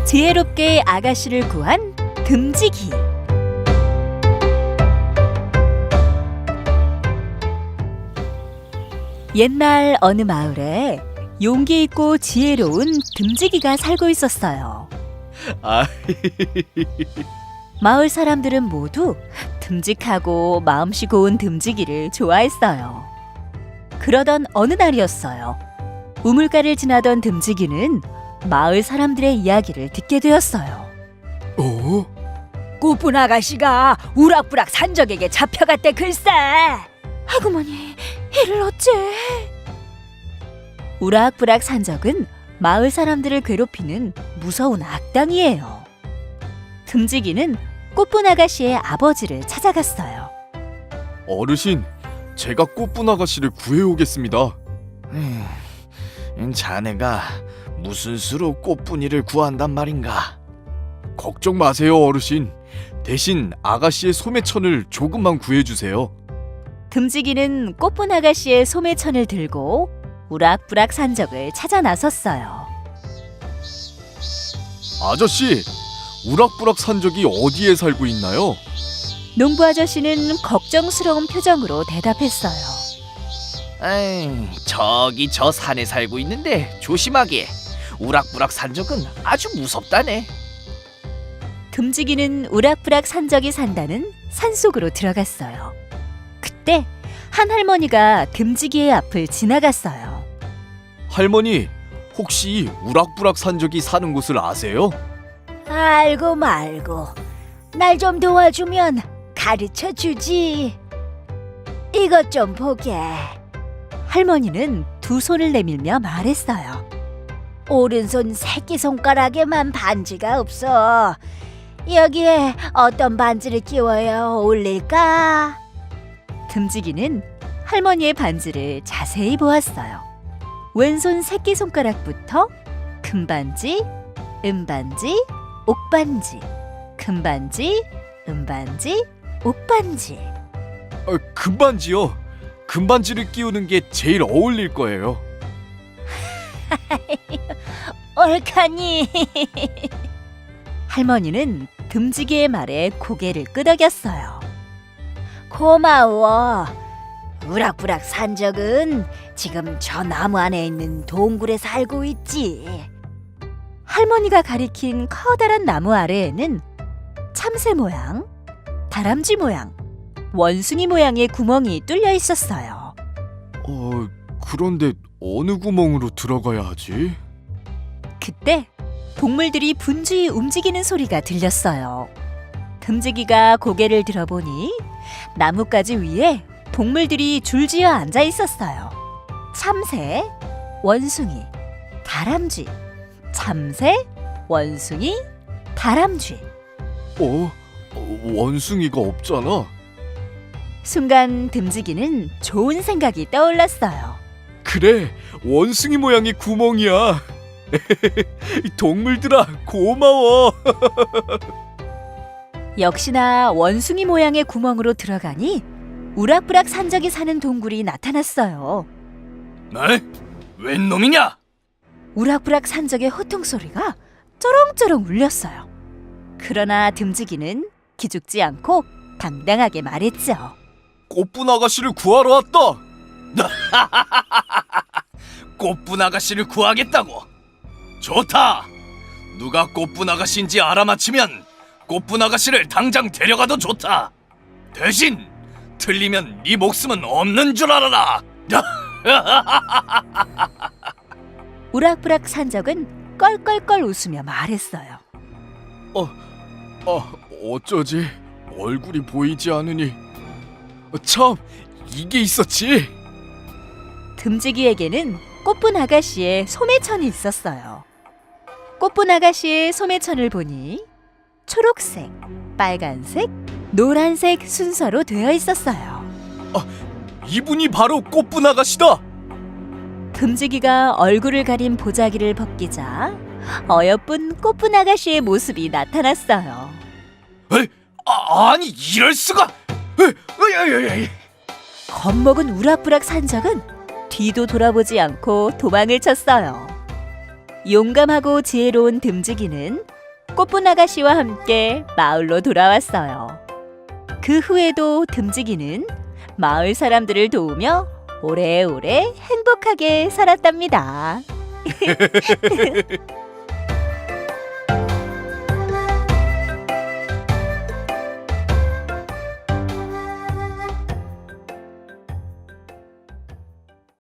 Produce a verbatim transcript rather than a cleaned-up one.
지혜롭게 아가씨를 구한 듬직이. 옛날 어느 마을에 용기 있고 지혜로운 듬직이가 살고 있었어요. 아, 마을 사람들은 모두 듬직하고 마음씨 고운 듬직이를 좋아했어요. 그러던 어느 날이었어요. 우물가를 지나던 듬직이는 마을 사람들의 이야기를 듣게 되었어요. 어? 꼬쁜 아가씨가 우락부락 산적에게 잡혀갔대 글쎄. 아구머니, 이를 어째? 우락부락 산적은 마을 사람들을 괴롭히는 무서운 악당이에요. 듬직이는 꼬쁜 아가씨의 아버지를 찾아갔어요. 어르신, 제가 꽃분 아가씨를 구해오겠습니다. 음, 자네가 무슨 수로 꽃분이를 구한단 말인가? 걱정 마세요, 어르신. 대신 아가씨의 소매천을 조금만 구해주세요. 듬직이는 꼬쁜 아가씨의 소매천을 들고 우락부락 산적을 찾아 나섰어요. 아저씨, 우락부락 산적이 어디에 살고 있나요? 농부 아저씨는 걱정스러운 표정으로 대답했어요. 에이, 저기 저 산에 살고 있는데 조심하게. 우락부락 산적은 아주 무섭다네. 듬직이는 우락부락 산적이 산다는 산속으로 들어갔어요. 그때 한 할머니가 듬직이의 앞을 지나갔어요. 할머니, 혹시 우락부락 산적이 사는 곳을 아세요? 알고 말고 날 좀 도와주면 가르쳐 주지. 이것 좀 보게. 할머니는 두 손을 내밀며 말했어요. 오른손 새끼손가락에만 반지가 없어. 여기에 어떤 반지를 끼워야 어울릴까? 듬직이는 할머니의 반지를 자세히 보았어요. 왼손 새끼손가락부터 금반지, 은반지, 옥반지, 금반지, 은반지, 옥반지. 아, 금반지요. 금반지를 끼우는 게 제일 어울릴 거예요. 옳카니. 할머니는 듬직이의 말에 고개를 끄덕였어요. 고마워. 우락부락 산적은 지금 저 나무 안에 있는 동굴에 살고 있지. 할머니가 가리킨 커다란 나무 아래에는 참새 모양, 다람쥐 모양, 원숭이 모양의 구멍이 뚫려 있었어요. 어, 그런데 어느 구멍으로 들어가야 하지? 그때 동물들이 분주히 움직이는 소리가 들렸어요. 듬직이가 고개를 들어보니 나뭇가지 위에 동물들이 줄지어 앉아 있었어요. 참새, 원숭이, 다람쥐, 참새, 원숭이, 다람쥐. 어? 어, 원숭이가 없잖아. 순간 듬직이는 좋은 생각이 떠올랐어요. 그래, 원숭이 모양의 구멍이야. 동물들아, 고마워. 역시나 원숭이 모양의 구멍으로 들어가니 우락부락 산적이 사는 동굴이 나타났어요. 네? 웬 놈이냐? 우락부락 산적의 호통소리가 쩌렁쩌렁 울렸어요. 그러나 듬직이는 기죽지 않고 당당하게 말했죠. 꽃분 아가씨를 구하러 왔다. 꽃분 아가씨를 구하겠다고? 좋다. 누가 꽃분 아가씨인지 알아맞히면 꽃분 아가씨를 당장 데려가도 좋다. 대신 틀리면 네 목숨은 없는 줄 알아라. 우락부락 산적은 껄껄껄 웃으며 말했어요. 어, 아, 어쩌지? 얼굴이 보이지 않으니. 어, 참, 이게 있었지. 듬직이에게는 꽃분 아가씨의 소매천이 있었어요. 꽃분 아가씨의 소매천을 보니 초록색, 빨간색, 노란색 순서로 되어 있었어요. 이분이 바로 꽃분 아가씨다. 듬직이가 얼굴을 가린 보자기를 벗기자 어여쁜 꽃분 아가씨의 모습이 나타났어요. 에이, 아, 아니 이럴 수가. 에이, 에이, 에이, 에이. 겁먹은 우락부락 산적은 뒤도 돌아보지 않고 도망을 쳤어요. 용감하고 지혜로운 듬직이는 꽃분 아가씨와 함께 마을로 돌아왔어요. 그 후에도 듬직이는 마을 사람들을 도우며 오래오래 행복하게 살았답니다.